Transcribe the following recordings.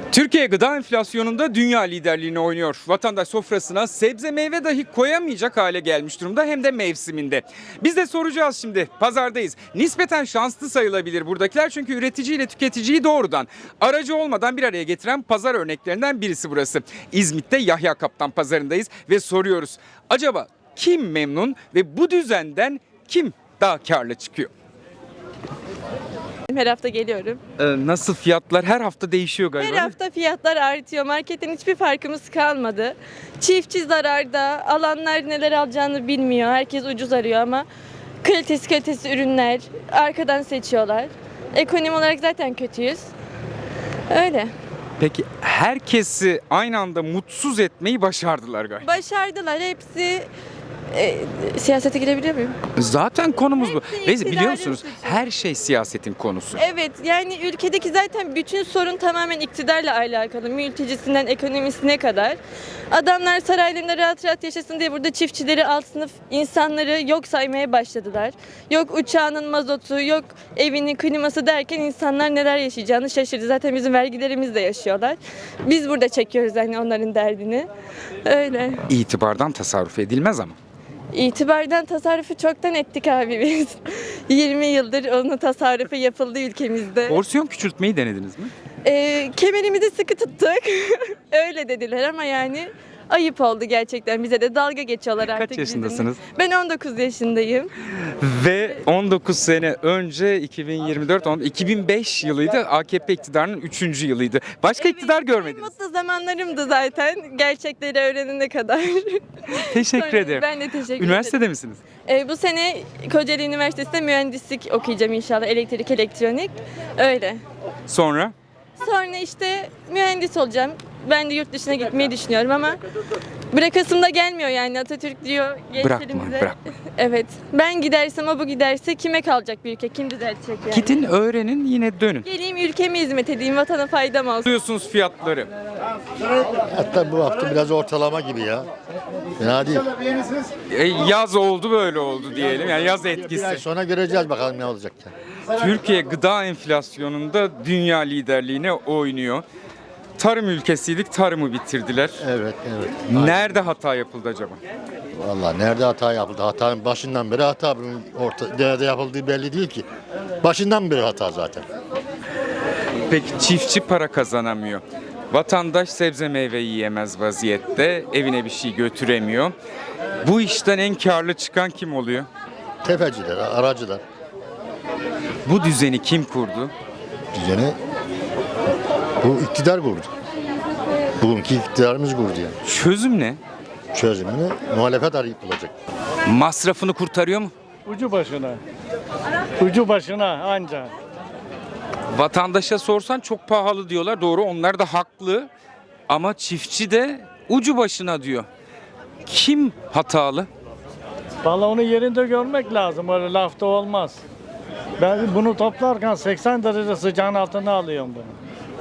Türkiye gıda enflasyonunda dünya liderliğini oynuyor. Vatandaş sofrasına sebze meyve dahi koyamayacak hale gelmiş durumda, hem de mevsiminde. Biz de soracağız şimdi. Pazardayız. Nispeten şanslı sayılabilir buradakiler, çünkü üretici ile tüketiciyi doğrudan, aracı olmadan bir araya getiren pazar örneklerinden birisi burası. İzmit'te Yahya Kaptan pazarındayız ve soruyoruz. Acaba kim memnun ve bu düzenden kim daha karlı çıkıyor? Her hafta geliyorum. Nasıl fiyatlar her hafta değişiyor galiba? Her hafta fiyatlar artıyor. Marketten hiçbir farkımız kalmadı. Çiftçi zararda. Alanlar neler alacağını bilmiyor. Herkes ucuz arıyor ama kalitesi ürünler arkadan seçiyorlar. Ekonomi olarak zaten kötüyüz. Öyle. Peki herkesi aynı anda mutsuz etmeyi başardılar galiba. Başardılar hepsi. Siyasete girebiliyor muyum? Zaten konumuz bu. Hepsi Ve iktidarın biliyor musunuz suçu. her şey siyasetin konusu. Evet, yani ülkedeki zaten bütün sorun tamamen iktidarla alakalı. Mültecisinden ekonomisine kadar. Adamlar saraylarında rahat rahat yaşasın diye burada çiftçileri, alt sınıf insanları yok saymaya başladılar. Yok uçağının mazotu, yok evinin kliması derken insanlar neler yaşayacağını şaşırdı. Zaten bizim vergilerimizle yaşıyorlar. Biz burada çekiyoruz hani onların derdini. Öyle. İtibardan tasarruf edilmez ama. İtibardan tasarrufu çoktan ettik abi biz. 20 yıldır onun tasarrufu yapıldı ülkemizde. Porsiyon küçültmeyi denediniz mi? Kemerimizi sıkı tuttuk. Öyle dediler ama yani ayıp oldu gerçekten. Bize de dalga geçiyorlar artık. Kaç yaşındasınız? bizimle. Ben 19 yaşındayım. Ve 19 sene önce 2005 yılıydı. AKP iktidarının 3. yılıydı. Başka iktidar En görmediniz. mutlu zamanlarımdı zaten. Gerçekleri öğrenene kadar. Teşekkür Sonra ederim. Ben de teşekkür Üniversitede ederim. misiniz? Bu sene Kocaeli Üniversitesi'nde mühendislik okuyacağım inşallah. Elektrik, elektronik. Öyle. Sonra? Sonra işte mühendis olacağım. Ben de yurt dışına gitmeyi düşünüyorum ama bırakasım da gelmiyor yani. Atatürk diyor gençlerimize. bırakma. Evet. Ben gidersem, o bu giderse kime kalacak bir ülke? Kim düzeltecek yani? Gidin öğrenin, yine dönün. Geleyim ülkeme hizmet edeyim, vatana faydam olsun. Duyuyorsunuz fiyatları. Hatta bu hafta biraz ortalama gibi ya. Fena değil. Yaz oldu, böyle oldu diyelim. Yani yaz Bir ay etkisi. sonra göreceğiz bakalım ne olacak. Türkiye gıda enflasyonunda dünya liderliğine oynuyor. Tarım ülkesiydik, tarımı bitirdiler. Evet. Nerede hata yapıldı acaba? Vallahi nerede hata yapıldı? Hatanın başından beri hata. Bunun nerede yapıldığı belli değil ki. Başından beri hata zaten. Peki çiftçi para kazanamıyor. Vatandaş sebze meyve yiyemez vaziyette, evine bir şey götüremiyor. Bu işten en karlı çıkan kim oluyor? Tefeciler, aracılar. Bu düzeni kim kurdu? Düzeni bu iktidar kurdu. Bugünkü iktidarımız kurdu yani. Çözüm ne? Çözümünü muhalefet arayıp bulacak. Masrafını kurtarıyor mu? Ucu başına. Ucu başına anca. Vatandaşa sorsan çok pahalı diyorlar. Doğru, onlar da haklı. Ama çiftçi de ucu başına diyor. Kim hatalı? Vallahi onu yerinde görmek lazım. Öyle lafta olmaz. Ben bunu toplarken 80 derece sıcağın altına alıyorum bunu.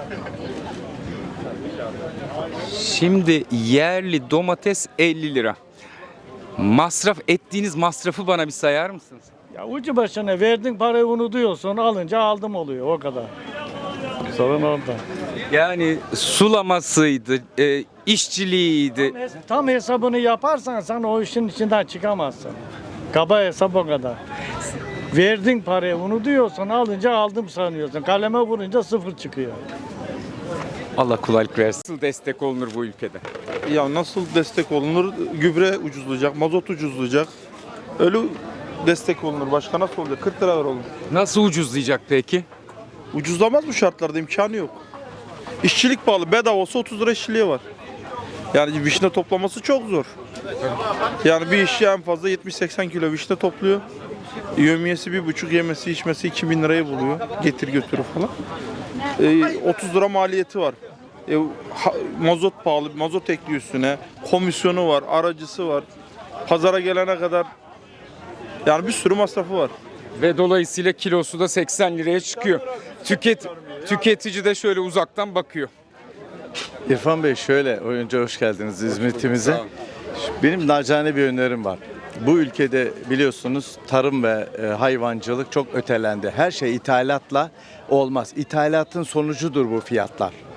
Şimdi yerli domates 50 lira. Masraf ettiğiniz masrafı bana bir sayar mısınız? Ya ucu başına verdin parayı unutuyorsun. Alınca aldım oluyor o kadar. Sorun orada. Yani sulamasıydı, işçiliğiydi. Tam hesabını yaparsan sen o işin içinden çıkamazsın. Kaba hesap o kadar. Verdin parayı unutuyorsun, alınca aldım sanıyorsun. Kaleme vurunca sıfır çıkıyor. Allah kolaylık versin. Nasıl destek olunur bu ülkede? Ya nasıl destek olunur? Gübre ucuzlayacak, mazot ucuzlayacak. Öyle destek olunur. Başka nasıl olacak? 40 lira ver oğlum. Nasıl ucuzlayacak peki? Ucuzlamaz bu şartlarda, imkanı yok. İşçilik pahalı. Bedava olsa 30 lira işçiliği var. Yani vişne toplaması çok zor. Yani bir işçi en fazla 70-80 kilo vişne topluyor. Yevmiyesi 1,5, yemesi içmesi 2000 lirayı buluyor. Getir götürü falan. 30 lira maliyeti var. Mazot pahalı, mazot ekliyor üstüne. Komisyonu var, aracısı var. Pazara gelene kadar yani bir sürü masrafı var. Ve dolayısıyla kilosu da 80 liraya çıkıyor. Tüketici de şöyle uzaktan bakıyor. İrfan Bey şöyle, önce hoş geldiniz İzmit'imize. Benim nacizane bir önerim var. Bu ülkede biliyorsunuz tarım ve hayvancılık çok ötelendi. Her şey ithalatla olmaz. İthalatın sonucudur bu fiyatlar.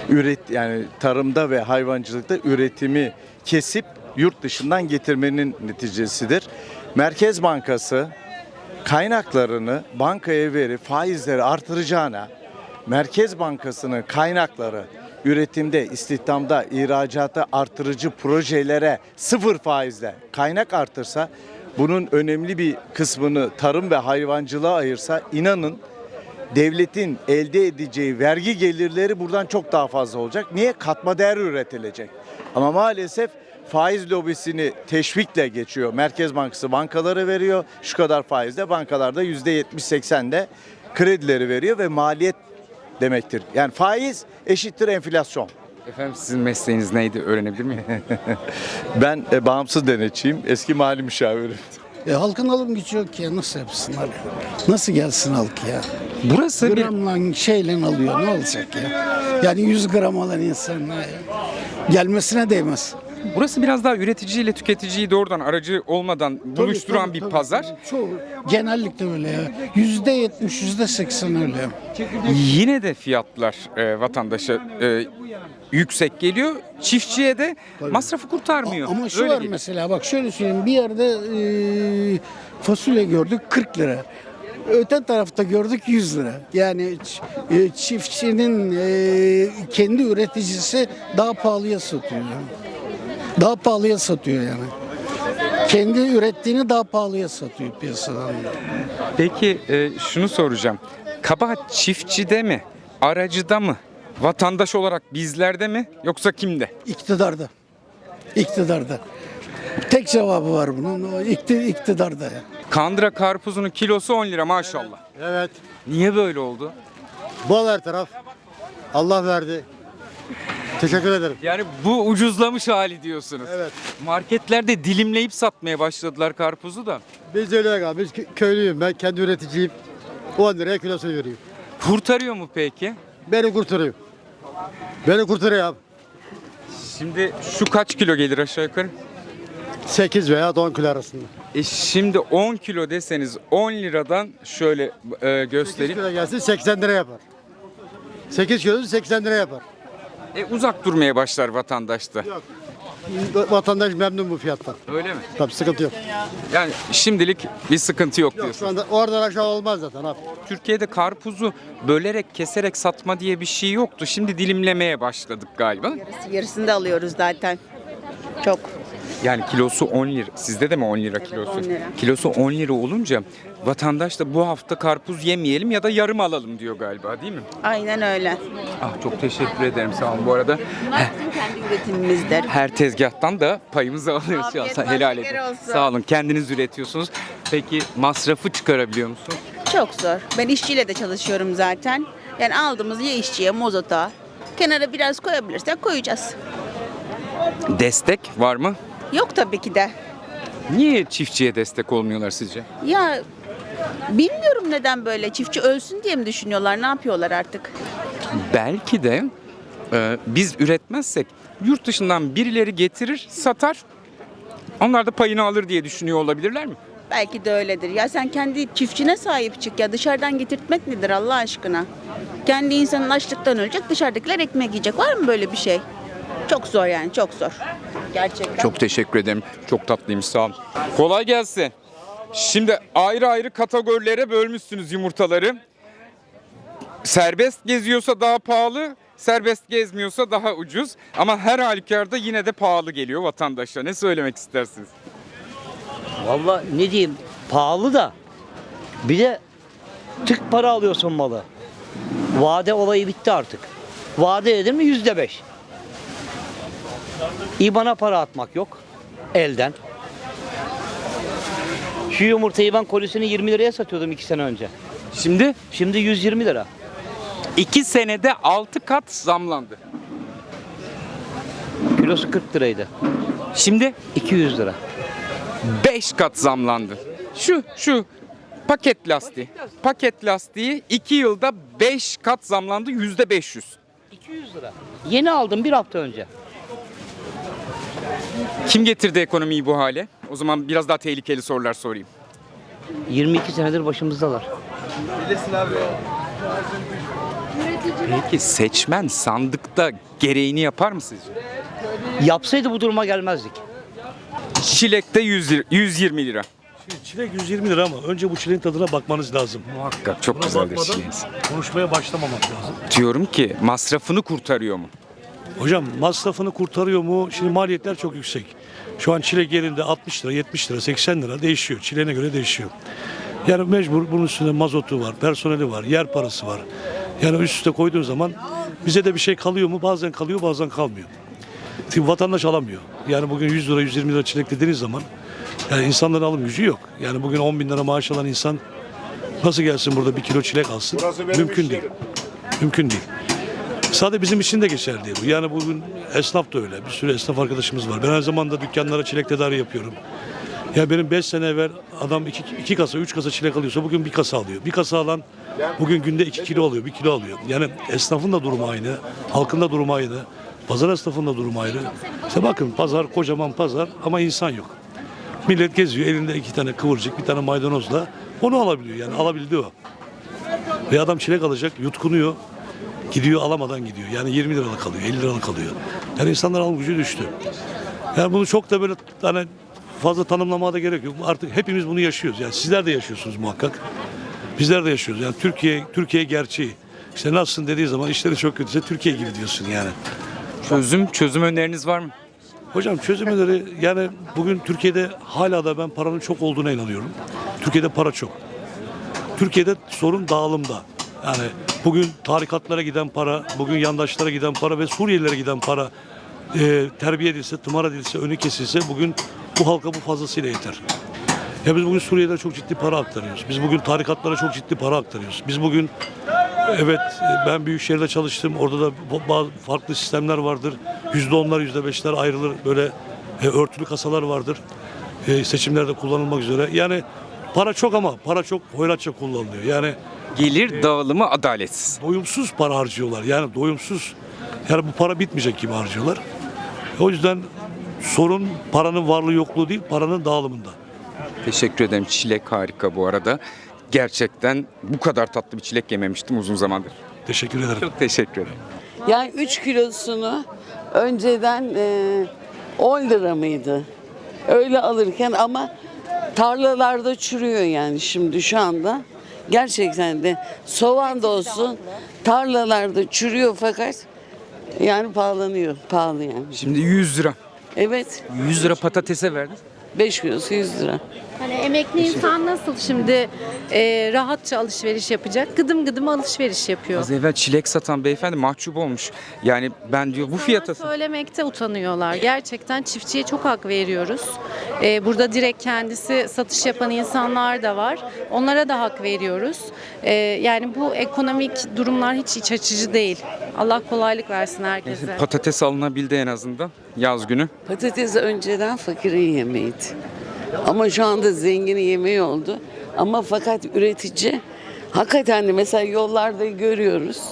yani tarımda ve hayvancılıkta üretimi kesip yurt dışından getirmenin neticesidir. Merkez Bankası kaynaklarını bankaya verip faizleri artıracağına Merkez Bankası'nın kaynakları üretimde, istihdamda, ihracatta artırıcı projelere sıfır faizle kaynak artırsa, bunun önemli bir kısmını tarım ve hayvancılığa ayırsa, inanın devletin elde edeceği vergi gelirleri buradan çok daha fazla olacak. Niye? Katma değer üretilecek. Ama maalesef faiz lobisini teşvikle geçiyor. Merkez Bankası bankalara veriyor. Şu kadar faizle bankalarda %70-80'de kredileri veriyor ve maliyet demektir. Yani faiz eşittir enflasyon. Efendim sizin mesleğiniz neydi öğrenebilir miyim? Ben bağımsız denetçiyim. Eski mali müşavirim. Halkın alım gücü yok ki ya, nasıl yapsınlar ya? Nasıl gelsin halk ya? Burası bir Gramla şeyle alıyor, ne olacak ya? Yani 100 gram alan insanlar ya. Gelmesine değmez. Burası biraz daha üreticiyle tüketiciyi doğrudan aracı olmadan buluşturan Tabii, bir tabii, pazar. tabii. Çoğu genellikle öyle ya. %70, %80 öyle. Yine de fiyatlar vatandaşa yüksek geliyor. Çiftçiye de masrafı kurtarmıyor. Ama şu Öyle var geliyor. mesela, bak şöyle söyleyeyim, bir yerde fasulye gördük 40 lira. Öte tarafta gördük 100 lira. Yani çiftçinin kendi üreticisi daha pahalıya satıyor. Yani. Daha pahalıya satıyor yani. Kendi ürettiğini daha pahalıya satıyor piyasadan. Peki şunu soracağım. Kabahat çiftçide mi? Aracıda mı? Vatandaş olarak bizlerde mi? Yoksa kimde? İktidarda. İktidarda. Tek cevabı var bunun. O iktidarda ya. Kandıra karpuzunun kilosu 10 lira maşallah. Evet. Niye böyle oldu? Bol her taraf. Allah verdi. Teşekkür ederim. Yani bu ucuzlamış hali diyorsunuz. Evet. Marketlerde dilimleyip satmaya başladılar karpuzu da. Biz de öyle abi. Biz köylüyüm. Ben kendi üreticiyim. 10 liraya kilosunu veriyorum. Kurtarıyor mu peki? Beni kurtarıyor. Beni kurtarıyor abi. Şimdi şu kaç kilo gelir aşağı yukarı? 8 veya 10 kilo arasında. Şimdi 10 kilo deseniz 10 liradan şöyle 8 göstereyim. kilo gelsin 80 lira yapar. 8 kilosu 80 lira yapar. Uzak durmaya başlar vatandaşta. Vatandaş memnun bu fiyattan. Öyle mi? Tabii sıkıntı yok. Yani şimdilik bir sıkıntı yok Şu diyorsun. anda oradan aşağı olmaz zaten abi. Türkiye'de karpuzu bölerek keserek satma diye bir şey yoktu. Şimdi dilimlemeye başladık galiba. Yarısını da alıyoruz zaten. Çok. Yani kilosu 10 lira. Sizde de mi 10 lira Evet, kilosu? 10 lira. Kilosu 10 lira olunca vatandaş da bu hafta karpuz yemeyelim ya da yarım alalım diyor galiba, değil mi? Aynen öyle. Ah, çok teşekkür ederim, sağ olun bu arada. Bunlar bizim kendi üretimimizdir. Her tezgahtan da payımızı alıyoruz. Afiyet Ya, helal olsun, edin. olsun. Sağ olun, kendiniz üretiyorsunuz. Peki masrafı çıkarabiliyor musun? Çok zor. Ben işçiyle de çalışıyorum zaten. Yani aldığımız ya işçiye, mozota. Kenara biraz koyabilirsek koyacağız. Destek var mı? Yok tabii ki de. Niye çiftçiye destek olmuyorlar sizce? Ya bilmiyorum neden böyle. Çiftçi ölsün diye mi düşünüyorlar? Ne yapıyorlar artık? Belki de biz üretmezsek yurt dışından birileri getirir, satar. Onlar da payını alır diye düşünüyor olabilirler mi? Belki de öyledir. Ya sen kendi çiftçine sahip çık ya. Dışarıdan getirtmek nedir Allah aşkına? Kendi insanın açlıktan ölecek, dışarıdakiler ekmek yiyecek. Var mı böyle bir şey? Çok zor yani, çok zor. Gerçekten. Çok teşekkür ederim. Çok tatlıymış, sağ olun. Kolay gelsin. Şimdi ayrı ayrı kategorilere bölmüşsünüz yumurtaları. Serbest geziyorsa daha pahalı, serbest gezmiyorsa daha ucuz. Ama her halükarda yine de pahalı geliyor vatandaşa. Ne söylemek istersiniz? Vallahi ne diyeyim, pahalı da bir de tık para alıyorsun malı. Vade olayı bitti artık. Vade edin mi %5. İBAN'a para atmak yok elden. Şu yumurtayı ben kolisini 20 liraya satıyordum 2 sene önce. Şimdi Şimdi 120 lira. 2 senede 6 kat zamlandı. Kilosu 40 liraydı. Şimdi 200 lira. 5 kat zamlandı. Şu paket lastiği. Paket lastiği 2 yılda 5 kat zamlandı, %500. 200 lira. Yeni aldım bir hafta önce. Kim getirdi ekonomiyi bu hale? O zaman biraz daha tehlikeli sorular sorayım. 22 senedir başımızdalar. Peki seçmen sandıkta gereğini yapar mı sizce? Yapsaydı bu duruma gelmezdik. Çilekte 120 lira. Çilek 120 lira ama önce bu çileğin tadına bakmanız lazım. Muhakkak çok Buna güzeldir bakmadan çileğiniz. konuşmaya başlamamak lazım. Diyorum ki masrafını kurtarıyor mu? Hocam masrafını kurtarıyor mu? Şimdi maliyetler çok yüksek. Şu an çilek yerinde 60 lira, 70 lira, 80 lira değişiyor. Çileğine göre değişiyor. Yani mecbur bunun üstünde mazotu var, personeli var, yer parası var. Yani üst üste koyduğun zaman bize de bir şey kalıyor mu? Bazen kalıyor, bazen kalmıyor. Çünkü vatandaş alamıyor. Yani bugün 100 lira, 120 lira çilek dediğiniz zaman yani insanların alım gücü yok. Yani bugün 10 bin lira maaş alan insan nasıl gelsin burada 1 kilo çilek alsın? Mümkün değil. Mümkün değil. Sadece bizim için de geçerli değil bu. Yani bugün esnaf da öyle. Bir sürü esnaf arkadaşımız var. Ben her zaman da dükkanlara çilek tedariği yapıyorum. Ya benim 5 sene evvel adam 2 kasa, 3 kasa çilek alıyorsa bugün 1 kasa alıyor. 1 kasa alan bugün günde 2 kilo alıyor, 1 kilo alıyor. Yani esnafın da durumu aynı, halkın da durumu aynı, pazar esnafın da durumu ayrı. İşte bakın pazar, kocaman pazar ama insan yok. Millet geziyor, elinde 2 tane kıvırcık, 1 tane maydanozla onu alabiliyor. Yani alabildi o. Ve adam çilek alacak, yutkunuyor. Gidiyor alamadan gidiyor. Yani 20 liralık alıyor, 50 liralık alıyor. Yani insanlar alım gücü düştü. Yani bunu çok da böyle hani fazla tanımlamaya da gerek yok. Artık hepimiz bunu yaşıyoruz. Yani sizler de yaşıyorsunuz muhakkak. Bizler de yaşıyoruz. Yani Türkiye gerçeği. İşte nasılsın dediği zaman işleri çok kötüyse Türkiye gibi diyorsun yani. Çözüm öneriniz var mı? Hocam çözüm öneri yani bugün Türkiye'de hala da ben paranın çok olduğuna inanıyorum. Türkiye'de para çok. Türkiye'de sorun dağılımda. Yani bugün tarikatlara giden para, bugün yandaşlara giden para ve Suriyelilere giden para terbiye edilse, tımar edilse, önü kesilse bugün bu halka bu fazlasıyla yeter. Ya biz bugün Suriyelilere çok ciddi para aktarıyoruz. Biz bugün tarikatlara çok ciddi para aktarıyoruz. Biz bugün evet ben Büyükşehir'de çalıştım. Orada da bazı farklı sistemler vardır. %10'lar, %5'ler ayrılır. Böyle örtülü kasalar vardır. Seçimlerde kullanılmak üzere. Yani para çok ama para çok hoyratça kullanılıyor. Yani Gelir dağılımı adaletsiz. doyumsuz para harcıyorlar. Yani doyumsuz. Yani bu para bitmeyecek gibi harcıyorlar. O yüzden sorun paranın varlığı yokluğu değil, paranın dağılımında. Teşekkür ederim. Çilek harika bu arada. Gerçekten bu kadar tatlı bir çilek yememiştim uzun zamandır. Teşekkür ederim. Çok teşekkür ederim. Yani 3 kilosunu önceden 10 lira mıydı? Öyle alırken ama tarlalarda çürüyor yani şimdi şu anda. Gerçekten de soğan da olsun tarlalarda çürüyor fakat yani pahalanıyor. Pahalı yani. Şimdi 100 lira. Evet. 100 lira patatese verdin. 5 kilosu 100 lira. Hani emekli insan nasıl şimdi rahatça alışveriş yapacak? Gıdım gıdım alışveriş yapıyor. Az evvel çilek satan beyefendi mahcup olmuş. Yani ben diyor bu fiyata... Söylemekte utanıyorlar. Gerçekten çiftçiye çok hak veriyoruz. Burada direkt kendisi satış yapan insanlar da var. Onlara da hak veriyoruz. Yani bu ekonomik durumlar hiç iç açıcı değil. Allah kolaylık versin herkese. Patates alınabildi en azından yaz günü. Patates önceden fakirin yemeğiydi. Ama şu anda zenginin yemeği oldu. Ama fakat üretici hakikaten de mesela yollarda görüyoruz.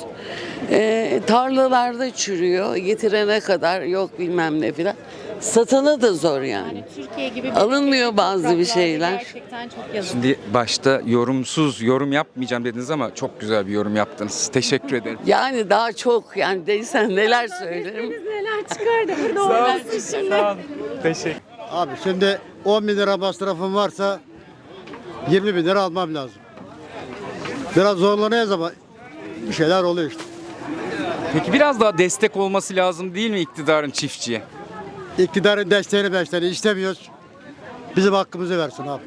Tarlalarda çürüyor. Getirene kadar yok bilmem ne filan. Satana da zor yani. Türkiye gibi Alınmıyor bazı bir şeyler. Gerçekten çok yazık. Şimdi başta yorum yapmayacağım dediniz ama çok güzel bir yorum yaptınız. Teşekkür ederim. Yani daha çok yani değilsen neler söylerim. Neler çıkardı burada olmasın şimdi. Teşekkür. Abi şimdi 10 bin lira masrafım varsa 20 bin lira almam lazım. Biraz zorlanıyoruz ama bir şeyler oluyor işte. Peki biraz daha destek olması lazım değil mi iktidarın çiftçiye? İktidarın desteğini istemiyoruz. Bizim hakkımızı versin abi.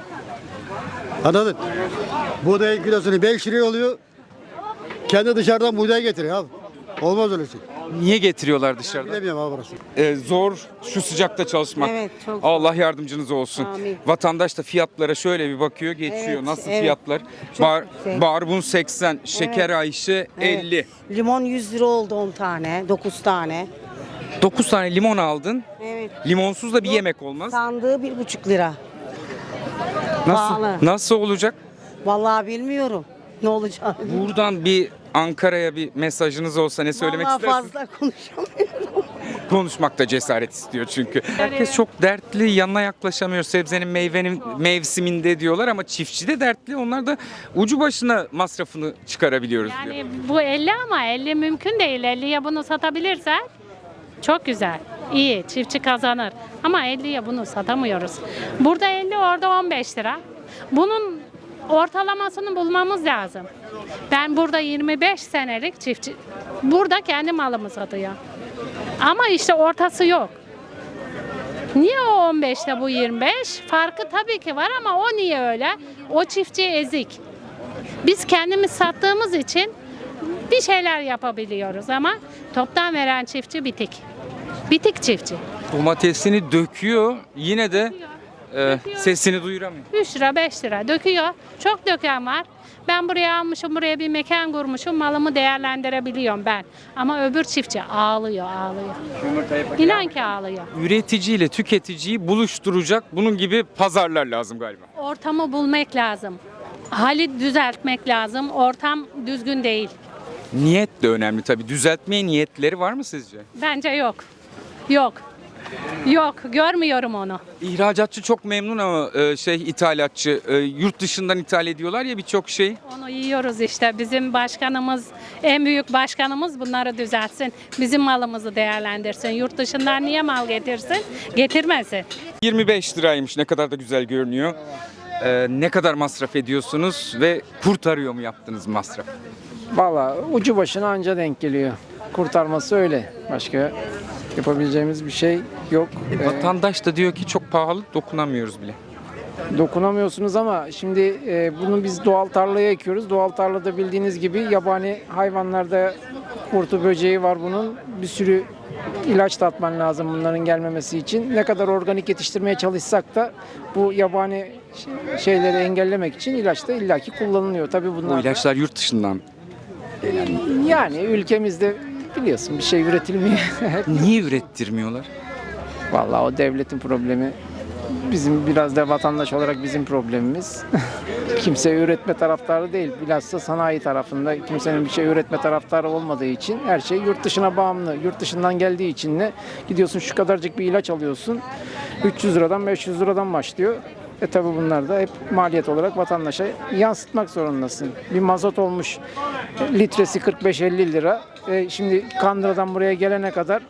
Anladın? Buğdayın kilosunu 5 liraya oluyor. Kendi dışarıdan buğday getiriyor abi. Olmaz öyle şey. Niye getiriyorlar dışarıdan? Bilemiyorum abi burası. Zor şu sıcakta çalışmak. Evet, çok Allah yardımcınız olsun. Amin. Vatandaş da fiyatlara şöyle bir bakıyor, geçiyor. Evet, Nasıl evet. fiyatlar? Çok yüksek. Barbun 80, şeker Ayşe 50. Limon 100 lira oldu 10 tane, 9 tane. 9 tane limon aldın. Evet. Limonsuz da bir yemek olmaz. Sandığı 1,5 lira. pahalı. Nasıl olacak? Vallahi bilmiyorum ne olacak. Buradan bir Ankara'ya bir mesajınız olsa ne söylemek Vallahi istersiniz? fazla konuşamıyorum. Konuşmakta cesaret istiyor çünkü. Herkes çok dertli, yanına yaklaşamıyor. Sebzenin, meyvenin mevsiminde diyorlar ama çiftçi de dertli. Onlar da ucu başına masrafını çıkarabiliyoruz diyor. Yani bu 50 ama 50 mümkün değil. 50'ye bunu satabilirsen çok güzel. İyi, çiftçi kazanır. Ama 50'ye bunu satamıyoruz. Burada 50, orada 15 lira. Bunun ortalamasını bulmamız lazım. Ben burada 25 senelik çiftçi, burada kendi malımı satıyor. Ama işte ortası yok. Niye o 15'te bu 25? Farkı tabii ki var ama o niye öyle? O çiftçi ezik. Biz kendimiz sattığımız için bir şeyler yapabiliyoruz ama toptan veren çiftçi bitik. Bitik çiftçi. Domatesini döküyor, yine de sesini duyuramıyor. 3 lira 5 lira döküyor. Çok döken var. Ben buraya almışım, buraya bir mekan kurmuşum, malımı değerlendirebiliyorum ben. Ama öbür çiftçi ağlıyor. İnan ki ağlıyor. Üretici ile tüketiciyi buluşturacak bunun gibi pazarlar lazım galiba. Ortamı bulmak lazım. Hali düzeltmek lazım. Ortam düzgün değil. Niyet de önemli tabii. Düzeltmeye niyetleri var mı sizce? Bence yok. Yok, görmüyorum onu. İhracatçı çok memnun ama ithalatçı yurt dışından ithal ediyorlar ya birçok şey. Onu yiyoruz işte. Bizim başkanımız, en büyük başkanımız bunları düzeltsin. Bizim malımızı değerlendirsin. Yurt dışından niye mal getirsin? Getirmesin. 25 liraymış, ne kadar da güzel görünüyor. Ne kadar masraf ediyorsunuz ve kurtarıyor mu yaptığınız masraf? Valla ucu başına anca denk geliyor. Kurtarması öyle. Başka yapabileceğimiz bir şey yok. Vatandaş da diyor ki çok pahalı, dokunamıyoruz bile. Dokunamıyorsunuz ama şimdi bunu biz doğal tarlaya ekiyoruz. Doğal tarlada bildiğiniz gibi yabani hayvanlarda kurtu böceği var bunun. Bir sürü ilaç da atman lazım bunların gelmemesi için. Ne kadar organik yetiştirmeye çalışsak da bu yabani şeyleri engellemek için ilaç da illaki kullanılıyor. Tabii bunlar Bu ilaçlar yurt dışından. yani ülkemizde biliyorsun bir şey üretilmiyor. Niye ürettirmiyorlar? Vallahi o devletin problemi. Bizim biraz da vatandaş olarak bizim problemimiz. Kimse üretme taraftarı değil. Bilhassa sanayi tarafında kimsenin bir şey üretme taraftarı olmadığı için her şey yurt dışına bağımlı. Yurt dışından geldiği için de gidiyorsun şu kadarcık bir ilaç alıyorsun. 300 liradan 500 liradan başlıyor. Tabi bunlar da hep maliyet olarak vatandaşa yansıtmak zorundasın. Bir mazot olmuş litresi 45-50 lira. Şimdi Kandıra'dan buraya gelene kadar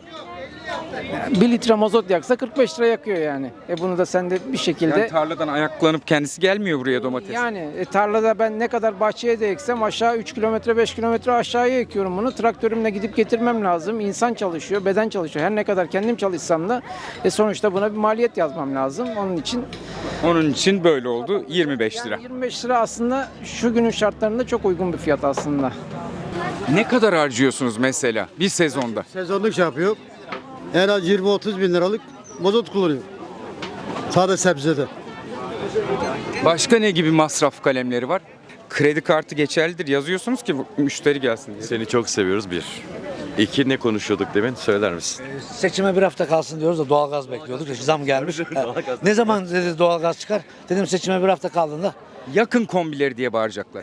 1 litre mazot yaksa 45 lira yakıyor yani. Bunu da sen de bir şekilde... Yani tarladan ayaklanıp kendisi gelmiyor buraya domates. Yani tarlada ben ne kadar bahçeye de eksem aşağı 3 kilometre 5 kilometre aşağıya ekiyorum bunu. Traktörümle gidip getirmem lazım. İnsan çalışıyor, beden çalışıyor. Her ne kadar kendim çalışsam da sonuçta buna bir maliyet yazmam lazım. Onun için böyle oldu 25 lira. Yani 25 lira aslında şu günün şartlarında çok uygun bir fiyat aslında. Ne kadar harcıyorsunuz mesela bir sezonda? Sezonluk şey yapıyor. En az 20-30 bin liralık mazot kullanıyor. Sadece sebzede. Başka ne gibi masraf kalemleri var? Kredi kartı geçerlidir yazıyorsunuz ki müşteri gelsin diye. Seni çok seviyoruz bir. İki, ne konuşuyorduk demin, söyler misin? Seçime bir hafta kalsın diyoruz da doğalgaz bekliyorduk. Zam gelmiş. Ne zaman dedi doğalgaz çıkar? Dedim seçime bir hafta kaldığında. Yakın kombileri diye bağıracaklar.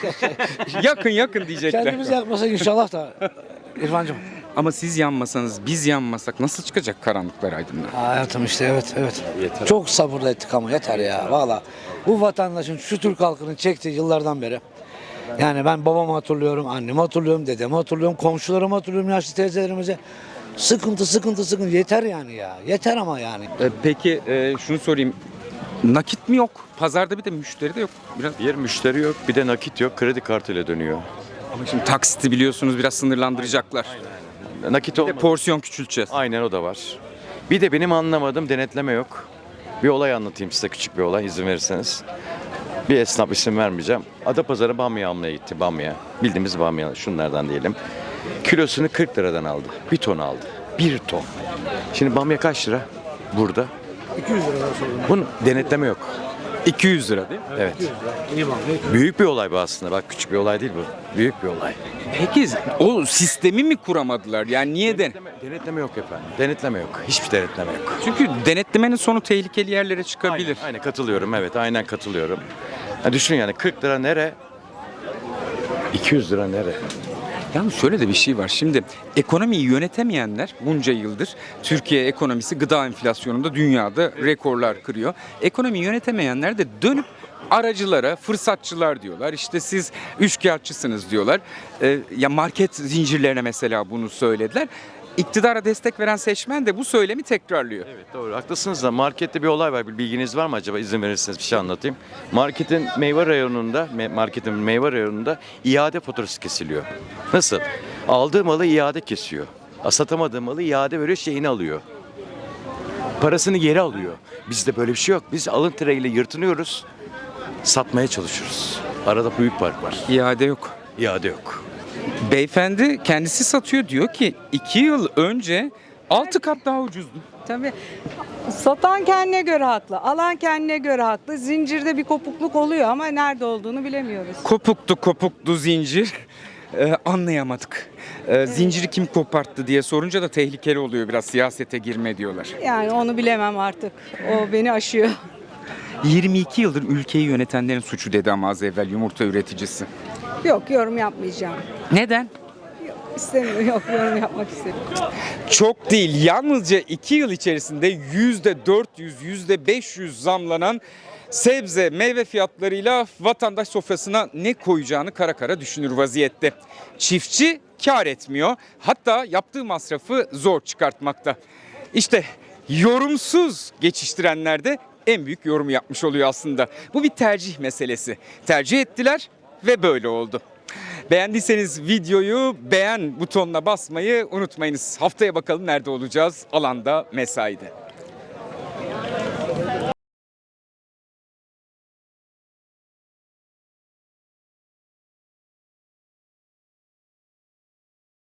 yakın diyecekler. Kendimiz yakmasak inşallah da İrfancığım. Ama siz yanmasanız, biz yanmasak nasıl çıkacak karanlıklar aydınlığa? Hayatım işte evet. Yeter. Çok sabırla ettik ama yeter ya valla. Bu vatandaşın, şu Türk halkının çektiği yıllardan beri. Yani ben babamı hatırlıyorum, annemi hatırlıyorum, dedemi hatırlıyorum, komşularımı hatırlıyorum, yaşlı teyzelerimize. Sıkıntı yeter yani ya. Yeter ama yani. Peki şunu sorayım. Nakit mi yok? Pazarda bir de müşteri de yok. Bir müşteri yok, bir de nakit yok, kredi kartıyla dönüyor. Ama şimdi taksiti biliyorsunuz biraz sınırlandıracaklar. Nakit olmadı. Porsiyon küçülteceğiz. Aynen, o da var. Bir de benim anlamadığım denetleme yok. Bir olay anlatayım size, küçük bir olay izin verirseniz. Bir esnaf, isim vermeyeceğim. Adapazarı bamya almaya gitti, bamya. Bildiğimiz bamya, şunlardan diyelim. Kilosunu 40 liradan aldı. Bir ton aldı. 1 ton. Şimdi bamya kaç lira burada? 200 lira sorun. Bunun denetleme yok. 200 lira değil mi? Evet. Büyük bir olay bu aslında. Bak, küçük bir olay değil bu. Büyük bir olay. Peki o sistemi mi kuramadılar? Yani niye Denetleme yok efendim. Denetleme yok. Hiçbir denetleme yok. Çünkü denetlemenin sonu tehlikeli yerlere çıkabilir. Aynen katılıyorum. Evet, aynen katılıyorum. Ya düşün yani 40 lira nere? 200 lira nere? Yalnız şöyle de bir şey var. Şimdi ekonomiyi yönetemeyenler bunca yıldır Türkiye ekonomisi gıda enflasyonunda dünyada rekorlar kırıyor. Ekonomiyi yönetemeyenler de dönüp aracılara, fırsatçılar diyorlar. İşte siz üçkağıtçısınız diyorlar. Ya market zincirlerine mesela bunu söylediler. İktidara destek veren seçmen de bu söylemi tekrarlıyor. Evet doğru haklısınız da markette bir olay var. Bir bilginiz var mı acaba? İzin verirseniz bir şey anlatayım. Marketin meyve reyonunda iade faturası kesiliyor. Nasıl? Aldığı malı iade kesiyor. Satamadığı malı iade veriyor, şeyini alıyor. Parasını geri alıyor. Bizde böyle bir şey yok. Biz alın teriyle yırtınıyoruz. Satmaya çalışıyoruz. Arada büyük fark var. İade yok. İade yok. Beyefendi kendisi satıyor, diyor ki 2 yıl önce 6 kat daha ucuzdu. Tabii. Satan kendine göre haklı, alan kendine göre haklı. Zincirde bir kopukluk oluyor ama nerede olduğunu bilemiyoruz. Kopuktu zincir. Anlayamadık. Zinciri kim koparttı diye sorunca da tehlikeli oluyor, biraz siyasete girme diyorlar. Yani onu bilemem artık. O beni aşıyor. 22 yıldır ülkeyi yönetenlerin suçu dedi ama az evvel yumurta üreticisi. Yok, yorum yapmayacağım. Neden? İstemiyorum, yok yorum yapmak istemiyorum. Çok değil, yalnızca 2 yıl içerisinde %400, %500 zamlanan sebze, meyve fiyatlarıyla vatandaş sofrasına ne koyacağını kara kara düşünür vaziyette. Çiftçi kar etmiyor, hatta yaptığı masrafı zor çıkartmakta. İşte yorumsuz geçiştirenler de en büyük yorumu yapmış oluyor aslında. Bu bir tercih meselesi. Tercih ettiler ve böyle oldu. Beğendiyseniz videoyu beğen butonuna basmayı unutmayınız. Haftaya bakalım nerede olacağız? Alanda, mesaide.